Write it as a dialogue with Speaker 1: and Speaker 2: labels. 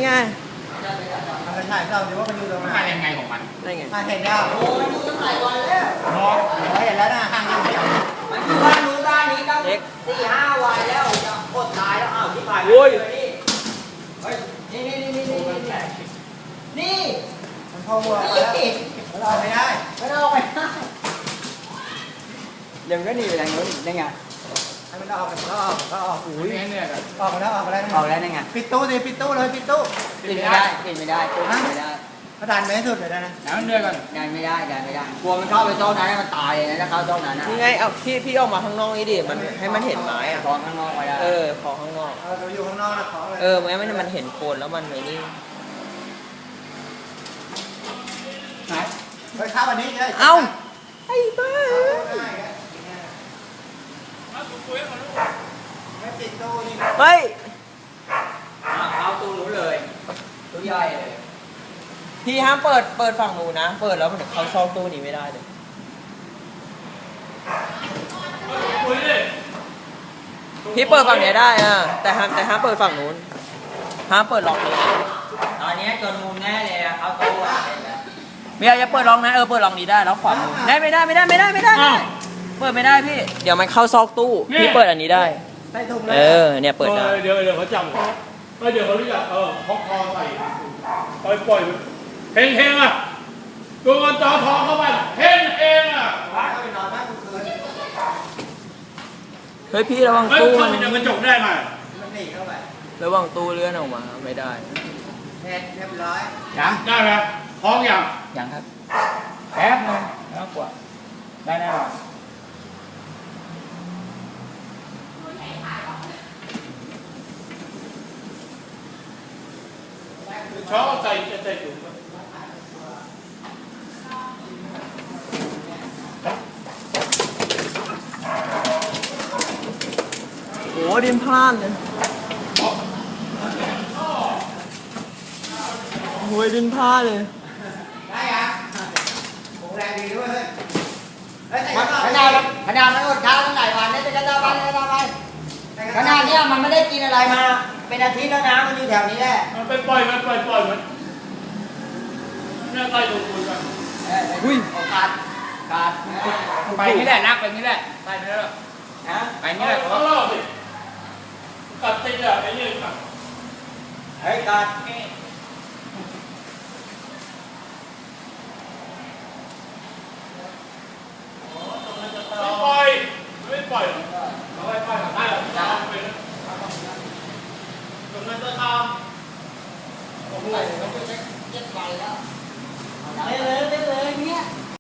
Speaker 1: ไง
Speaker 2: มันถ่ายเราดูว่ามันอยู่ตรงไหน
Speaker 3: ถ่ายยังไงของมัน
Speaker 1: ได้ไง
Speaker 2: เห็นแล้วโอ้ยดูตั้งหลายวันแล้วเนาะเห็นแล้วนะห่างยังไม่
Speaker 4: มันอยู่บ้านนู้นบ้านนี้ตั้ง4-5 วันแล้วจะอดตายแล้วอ้าวที่ผ่านนี่เฮ้ยนี่
Speaker 2: มันพอวัวแล้วมันออกไม่ได้
Speaker 4: มันออกไม่ได้ยังก็หนีไปทางนู้นได้ไง
Speaker 2: ให้มันออกก็ออก
Speaker 3: อุ้ยเนี่ย
Speaker 2: ออกมาแล้วออกมาแล้ว
Speaker 4: ออกแล้วได้ไง
Speaker 2: ปิดตู้ดิปิดตู้เลยปิดตู้
Speaker 4: ปิดไม่ได้ปิดไม่ได้ปิดไม่ได้
Speaker 2: กระดานไม่สุดเลยนะ
Speaker 3: แล้วเดือดกัน
Speaker 4: ดันไม่ได้กลัวมันเข้าไปโซนนั้นมันตายเลยนะถ้าเข้าโซนนั้น
Speaker 1: นี่ไงเอาพี่ออกมาข้างนอกนี่ดิมันให้มันเห็นไม้อะ
Speaker 4: ตอนข้างนอกไว้ได้
Speaker 1: ขอข้างนอก
Speaker 2: เราอยู่ข้างนอกนะขอเลย
Speaker 1: ไม่มันเห็นโคนแล้วมันไอ้นี่
Speaker 2: ไหนไปข้าววันนี้เลย
Speaker 1: เอ้าไอ้บ้า
Speaker 2: ไม่ปิดตู้นี่
Speaker 1: เฮ้ย
Speaker 4: เข้าตู้รู้เลยตู้ใหญ่เลย
Speaker 1: พี่ห้ามเปิดฝั่งหนูนะเปิดแล้วมันเขาซองตู้นี้ไม่ได้เลยพี่เปิดฝั่งนี้ได้แต่ห้ามเปิดฝั่งนู้นห้ามเปิดล็อกนี้
Speaker 4: ตอนนี้จนมุมแน่เลยเข้าตู้
Speaker 1: ไม่เอาจะเปิดล็อกนะเปิดล็อกนี้ได้แล้วขวามือได้ไม่ได้เปิดไม่ได้พี่เดี๋ยวมันเข้าซอกตู้พี่เปิดอันนี้ได้เนี่ยเปิดได้
Speaker 3: เดี๋ยวเขาจำเดี๋ยวเขาเรียกคล้องคอใส่ปล่อยเฮงอ่ะตัวเงินจอทองเข้าไปเฮงอ่ะ
Speaker 1: เฮ้ยพี่ระวังตู้
Speaker 3: มันจะกระจกได้ไหม
Speaker 2: มันหนีเข้าไประ
Speaker 1: วังตู้เลื่อนออกมาไม่ได้
Speaker 2: เรียบร้อย
Speaker 3: ยังได้ไหมคล้อง
Speaker 4: ยังครับ
Speaker 3: แป๊บนึงแล้วกว่าได้แน่นอนชอบใส่ถุง
Speaker 1: โอ้ดินพลาดเลยโอ้ยดินพลาดเลย
Speaker 2: ได้ยังโอ้แรงดีด้วย
Speaker 4: ขนาดมันอดข้าวตั้งหลายวันนี่จะกระด้างไปขนาดนี้มันไม่ได้กินอะไรมาเป็นอาทิตย์แล้วนะมันอยู่แถวนี้แหละ
Speaker 3: มันไปปล่อยมันเนี่ยใต้ถุงคุยกัน
Speaker 4: อุ้ยขาด
Speaker 3: ไปนี่แหละนักไปนี่แหละไปนี่แหละไปนี่แหละเขาเล่าสิกัดติดอ่ะไอ้นี่กัด
Speaker 4: เฮ้ยกัด
Speaker 3: ไม่ปล่อยเอาไว้ปล่อยได้หรอจะเป็นตรงนั้นจะทำโอ้โห